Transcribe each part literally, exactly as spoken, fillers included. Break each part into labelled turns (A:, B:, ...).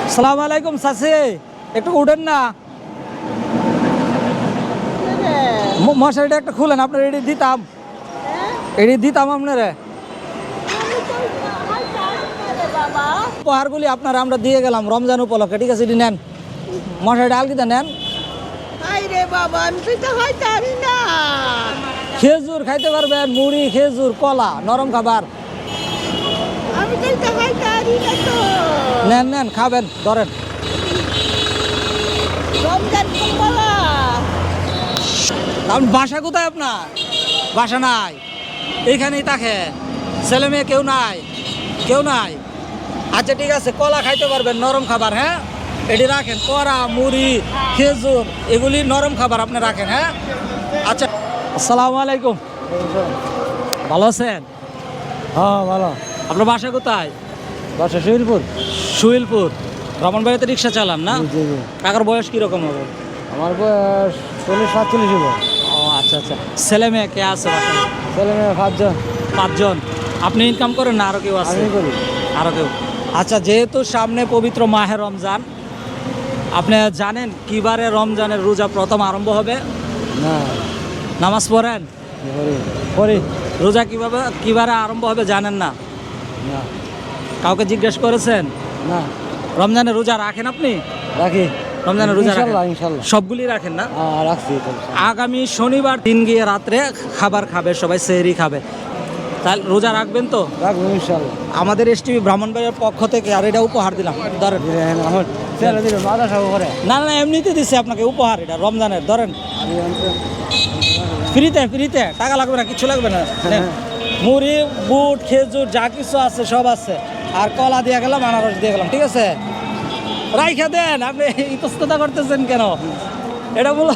A: আসসালামু আলাইকুম চাচি, একটু উঠেন না, ম- মশারিটা একটা খুলেন, আপনার এটি দিতাম, এটি দিতাম আপনারে। উপহারগুলি আপনারা আমরা দিয়ে গেলাম রমজান উপলক্ষে, ঠিক আছে? এটি নেন, মশারিটা আলগিতে নেন।
B: রে বাবা, আমি তো খাইতে পারি না।
A: খেজুর খাইতে পারবেন, মুড়ি, খেজুর, কলা, নরম খাবার।
B: আমি তো খাইতে পারি না তো।
A: নেন নেন, খাবেন, ধরেন।
B: রমজান কলা।
A: আপনি বাসা কোথায় আপনার? বাসা নাই, এইখানেই থাকে, ছেলে মেয়ে কেউ নাই, কেউ নাই। আচ্ছা ঠিক আছে, কলা খাইতে পারবেন, নরম খাবার, হ্যাঁ এটি রাখেন। কড়া, মুড়ি, খেজুর, এগুলি নরম খাবার আপনি রাখেন, হ্যাঁ। আচ্ছা, আসসালামু আলাইকুম, ভালো আছেন?
C: হ্যাঁ ভালো।
A: আপনার বাসা কোথায়?
C: বাসা শহীদপুর।
A: সুইলপুর। ব্রাহ্মণবাড়িতে রিক্সা চালান না?
C: জি জি।
A: কাকার বয়স কীরকম হবে?
C: আমার বয়স চল্লিশ সাতচল্লিশ হবে।
A: ও আচ্ছা আচ্ছা, ছেলে মেয়ে কে আছে বাসায়?
C: ছেলে মেয়ে পাঁচজন।
A: পাঁচজন। আপনি ইনকাম করেন না আরও কেউ আছে?
C: আমি করি।
A: আরও কেউ। আচ্ছা, যেহেতু সামনে পবিত্র মাহে রমজান, আপনি জানেন কিবারে রমজানের রোজা প্রথম আরম্ভ হবে?
C: না
A: নামাজ পড়েন?
C: করি করি
A: রোজা কিভাবে কিবারে আরম্ভ হবে জানেন না?
C: না
A: কাউকে জিজ্ঞেস করেছেন?
C: না
A: রমজানের রোজা রাখেন আপনি?
C: রাখি।
A: রমজানের রোজা রাখেন?
C: ইনশাল্লাহ ইনশাল্লাহ
A: সবগুলি রাখেন না?
C: হ্যাঁ রাখছি তো।
A: আগামী শনিবার দিন গিয়ে রাত্রে খাবার খাবে, সবাই সেহরি খাবে, তাহলে রোজা রাখবেন তো?
C: রাখবো ইনশাল্লাহ।
A: আমাদের এস টিভি ব্রাহ্মণবাড়ির পক্ষ থেকে আর এটা উপহার দিলাম, ধরেন।
C: দিলেন আমার ছেলে দিল মাদা সাগর করে।
A: না না, এমনিতে দিচ্ছে আপনাকে উপহার, এটা রমজানের, ধরেন।
C: আমি অন্তত-
A: ফ্রিতে ফ্রিতে, টাকা লাগবে না, কিছু লাগবে না। নেন। মুড়ি, বুট, খেজুর যা কিছু আছে সব আছে, আর কলা দিয়ে গেলাম, আনারস দিয়ে গেলাম, ঠিক আছে? রাইখা দেন, আপনি ইতস্ততা করতেছেন কেন? এটা মূল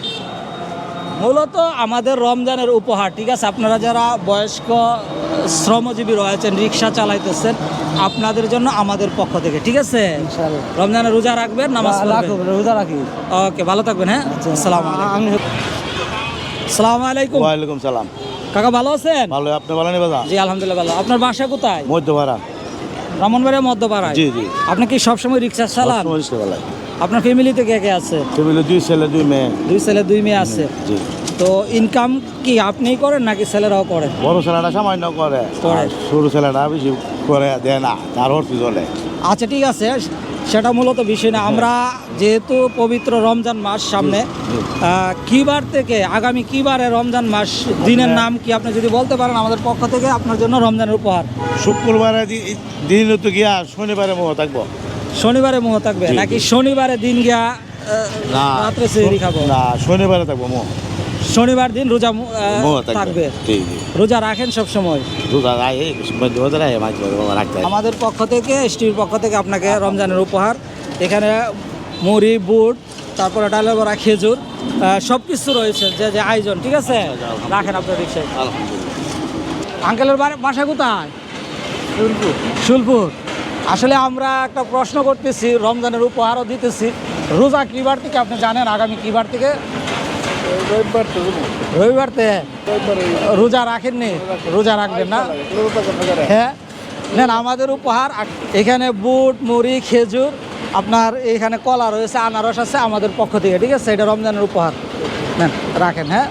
A: মূলত আমাদের রমজানের উপহার, ঠিক আছে? আপনারা যারা বয়স্ক শ্রমজীবী রয়েছেন, রিক্সা চালাইতেছেন, আপনাদের জন্য আমাদের পক্ষ থেকে, ঠিক আছে?
C: ইনশাল্লাহ
A: রমজানের রোজা রাখবেন, নামাজ
C: রাখবো,
A: পড়বেন।
C: রোজা রাখি।
A: ওকে, ভালো থাকবেন, হ্যাঁ। আসসালামু আলাইকুম।
C: আমি
A: আসসালামু আলাইকুম।
D: ওয়ালাইকুম সালাম।
A: কাকা ভালো আছেন?
D: ভালো, আপনি ভালো নেই বাবা?
A: জি আলহামদুলিল্লাহ ভালো। আপনার বাসা কোথায়?
D: মধ্যপাড়া।
A: ব্রাহ্মণবাড়িয়া মধ্যপাড়ায়?
D: জি জি।
A: আপনি কি সবসময় রিক্সা চালান?
D: বেলায়
A: আপনার ফ্যামিলিতে কে কে আছে?
D: ফ্যামিলি দুই ছেলে দুই মেয়ে।
A: দুই ছেলে দুই মেয়ে আছে।
D: জি।
A: তো ইনকাম কি আপনিই করেন নাকি ছেলেরাও করে?
D: বড় ছেলেটা সামান্য করে,
A: করে।
D: আর ছোট ছেলেটা বেশি করে দেয় না, তার অর্থ চলে।
A: আচ্ছা ঠিক আছে, সেটা মূলত বিষয় না। আমরা যেহেতু পবিত্র রমজান মাস সামনে,
D: জি।
A: আহ, কি বার থেকে আগামী কি বারে রমজান মাস, দিনের নাম কি আপনি যদি বলতে পারেন আমাদের পক্ষ থেকে আপনার জন্য রমজানের উপহার।
D: শুক্রবারে দি- দিন তো গিয়া শনিবারে মোহ থাকবো।
A: শনিবারে মোহ থাকবে
D: জি,
A: নাকি
D: জি।
A: শনিবারে দিন গিয়া আহ,
D: না
A: রাত্রে সেহরি খাবো?
D: না, শনিবারে থাকবো মোহ।
A: শনিবার দিন রোজা আহ,
D: মোহ
A: থাকবে।
D: থাকবে। জি জি।
A: রোজা রাখেন সব সময়?
D: দুধ রাখে, দুধ রাখে, মাছ রাখতে হয়।
A: আমাদের পক্ষ থেকে, এসটিভির পক্ষ থেকে আপনাকে রমজানের উপহার। এখানে মুড়ি, বুট, তারপরে ডালের বড়া, খেজুর, সব কিছু রয়েছে, যে যে আয়োজন, ঠিক আছে? রাখেন আপনার রিক্সায়।
D: আলহামদুলিল্লাহ।
A: আঙ্কেলের বাড়ি- বাসা কোথায়? শুলপুর। শুলপুর। আসলে আমরা একটা প্রশ্ন করতেছি, রমজানের উপহারও দিতেছি। রোজা কি বার থেকে আপনি জানেন? আগামী কি বার থেকে?
C: রবিবার তো
A: রবিবার থেকে। রোজা রাখেননি? রোজা রাখবেন না? হ্যাঁ, নেন আমাদের উপহার। এখানে বুট, মুড়ি, খেজুর, আপনার এখানে কলা রয়েছে, আনারস আছে আমাদের পক্ষ থেকে, ঠিক আছে? এটা রমজানের উপহার, নেন রাখেন। হ্যাঁ,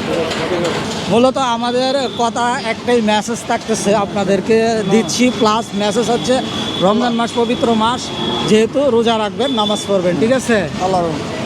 A: মূলত আমাদের কথা একটাই মেসেজ থাকতেছে, আপনাদেরকে দিচ্ছি, প্লাস মেসেজ হচ্ছে রমজান মাস পবিত্র মাস, যেহেতু রোজা রাখবেন, নামাজ পড়বেন, ঠিক আছে?
C: আল্লাহ